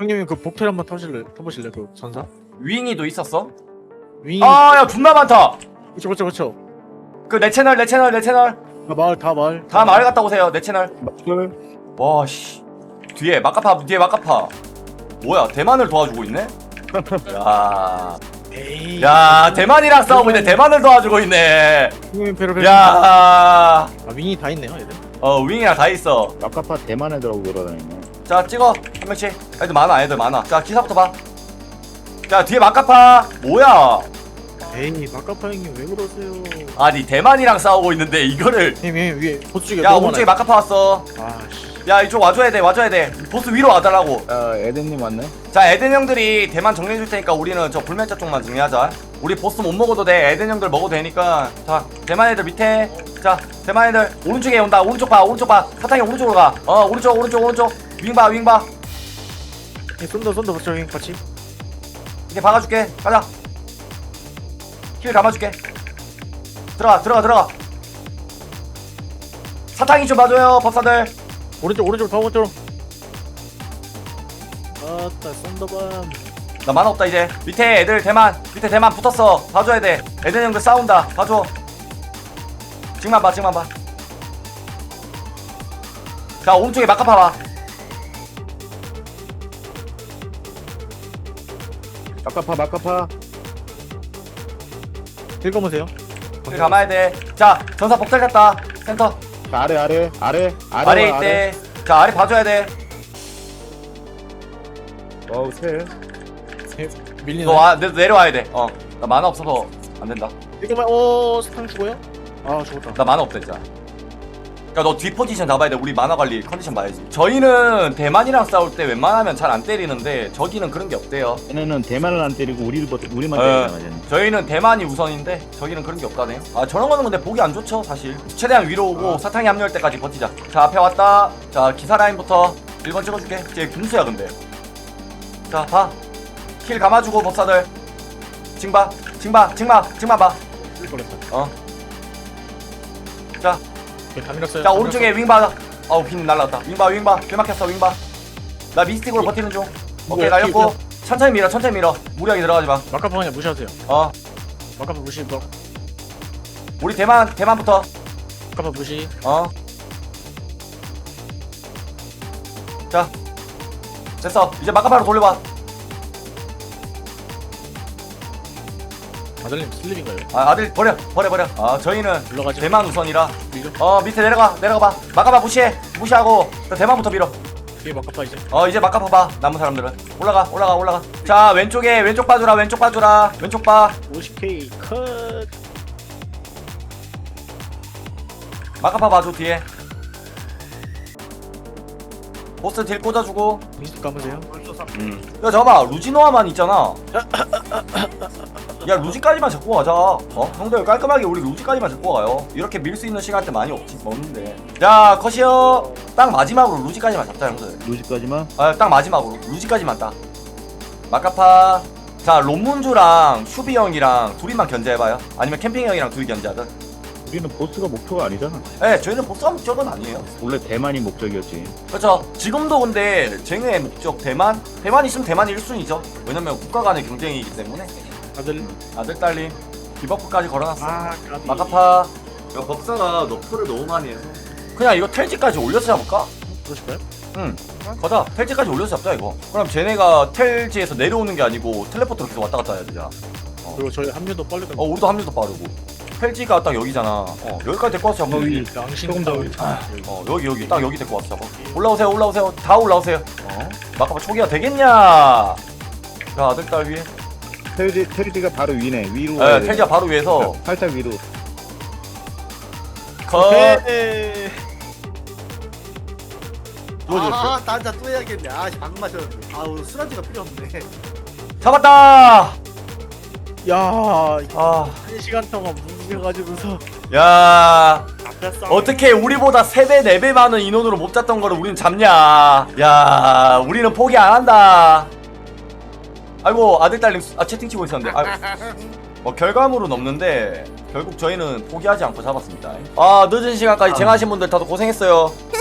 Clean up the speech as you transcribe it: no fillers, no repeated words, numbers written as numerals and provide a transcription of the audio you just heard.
형님이 그 복텔 한번 타보실래? 그 전사? 윙이도 있었어? 윙. 아야 존나 많다. 그쵸. 그 내 채널 다 마을. 다 마을 갔다 오세요. 내 채널. 마을. 와씨 뒤에 막가파 뭐야 대만을 도와주고 있네? 야, 에이. 야 대만이랑 싸우고 있네. 대만을 도와주고 있네. 형님 배로. 야, 아 윙이 다 있네요, 얘들. 윙이랑 다 있어. 아까파 대만 애들하고 돌아다니네. 자 찍어 한 명씩. 애들 많아. 자 기사부터 봐. 자 뒤에 막가파 뭐야? 에이 마카파 형님 왜 그러세요? 아니 대만이랑 싸우고 있는데 이거를. 형님 위에 보스 쪽에 야 너무 오른쪽에 많아요. 막가파 왔어. 아씨. 야 이쪽 와줘야 돼. 보스 위로 와달라고. 에덴님 왔네. 자 에덴 형들이 대만 정리해줄 테니까 우리는 저 불멸자 쪽만 정리하자. 우리 보스 못 먹어도 돼. 에덴 형들 먹어도 되니까. 자 대만 애들 밑에. 자 대만 애들 오른쪽에 온다. 오른쪽 봐. 사탕이 오른쪽으로 가. 오른쪽. 윙 봐. 쏜다 보스 형님 같이. 이렇게 박아줄게. 가자. 힐 감아줄게. 들어가. 사탕이 좀 봐줘요 법사들. 오른쪽 더 오른쪽. 아따 쏜다밤. 나 만화 없다 이제. 밑에 대만 붙었어. 봐줘야 돼. 에덴 형들 싸운다. 봐줘. 지금만 봐. 자 오른쪽에 막가파 봐. 아까파. 읽어보세요. 힐 감아야 돼. 자 전사 복살 갔다. 센터 아래 아래 있대. 자 아래 봐줘야 돼. 어우 새. 밀리네. 너 내려와야 돼. 나 만화 없어서 안 된다. 이거만 스탕 죽어요? 아 죽었다. 나 만화 없다 진짜. 그니까 너 뒤 포지션 잡아야 돼. 우리 만화 관리 컨디션 봐야지. 저희는 대만이랑 싸울 때 웬만하면 잘 안 때리는데 저기는 그런 게 없대요. 얘네는 대만을 안 때리고 우리만 어, 때리잖아. 얘는. 저희는 대만이 우선인데 저기는 그런 게 없다네요. 아 저런 거는 근데 보기 안 좋죠 사실. 최대한 위로 오고 사탕이 합류할 때까지 버티자. 자 앞에 왔다. 자 기사 라인부터 1번 찍어줄게. 쟤 군수야 근데. 자 봐. 힐 감아주고 법사들. 징봐 봐. 쓸 뻔했다. 자 다 밀었어요. 자 오른쪽에 윙 봐. 빈 날라갔다. 윙 봐. 길 막혔어 윙 봐. 나 미스틱으로 버티는 중. 오케이 뭐야, 날렸고. 천천히 밀어. 무리하게 들어가지 마. 마카파 그냥 무시하세요. 마카파 무시. 우리 대만부터. 마카파 무시. 자 됐어. 이제 마카파로 돌려봐. 아들님 슬립인가요? 아들 버려. 저희는 올라가지. 대만 우선이라. 밀죠. 밑에 내려가 봐. 마카파 무시하고 대만부터 밀어. 뒤에 마카파 이제. 이제 마카파 봐. 남은 사람들은 올라가. 자 왼쪽 봐주라. 왼쪽 봐. 50K 컷. 마카파 봐줘 뒤에. 보스 딜 꽂아주고. 미스트 감으세요. 야 잠깐만 루지노아만 있잖아. 야 루지까지만 잡고 가자. 형들 깔끔하게 우리 루지까지만 잡고 가요. 이렇게 밀 수 있는 시간 때 많이 없는데. 자 컷이요. 딱 마지막으로 루지까지만 잡자 형들. 루지까지만. 딱 마지막으로 루지까지만 딱. 마카파. 자 롬문주랑 슈비 형이랑 둘이만 견제해봐요. 아니면 캠핑 형이랑 둘이 견제하든. 우리는 보스가 목표가 아니잖아. 저희는 보스가 목적은 아니에요. 원래 대만이 목적이었지. 그렇죠. 지금도 근데 쟁의 목적 대만 있으면 대만이 1순위죠. 왜냐면 국가 간의 경쟁이기 때문에. 아들 딸님 디버프까지 걸어놨어. 까비. 마카파. 야 법사가 너프를 너무 많이 해서 그냥 이거 텔지까지 올려서 잡을까? 그러실까요? 응 거다. 텔지까지 올려서 잡자 이거. 그럼 쟤네가 텔지에서 내려오는 게 아니고 텔레포트로 계속 왔다 갔다 해야 되잖아. 그리고 저희 합류도 빨리 가. 우리도 합류도 빠르고. 텔지가 딱 여기잖아. 여기까지 데리고 와서 잡으면 되지. 양심 더. 여기 딱 여기 데리고 와서 잡아. 올라오세요. 다 올라오세요. 마카파 초기화 되겠냐? 자 아들 딸 위에. 테리지가 바로 위네. 위로. 텔지가 바로 위에서 살짝 위로. 컷. 딴자 또 해야겠네. 방금 마셨는데. 오늘 술안주가 필요 없네. 잡았다. 야, 아, 1시간 동안 뭉개가지고서. 야, 어떻게 우리보다 3배, 4배 많은 인원으로 못 잡던 거를 우리는 잡냐? 야, 우리는 포기 안 한다. 아이고, 아들 딸님 채팅 치고 있었는데. 결과물은 없는데 결국 저희는 포기하지 않고 잡았습니다. 늦은 시간까지 쟁하신 분들 다들 고생했어요.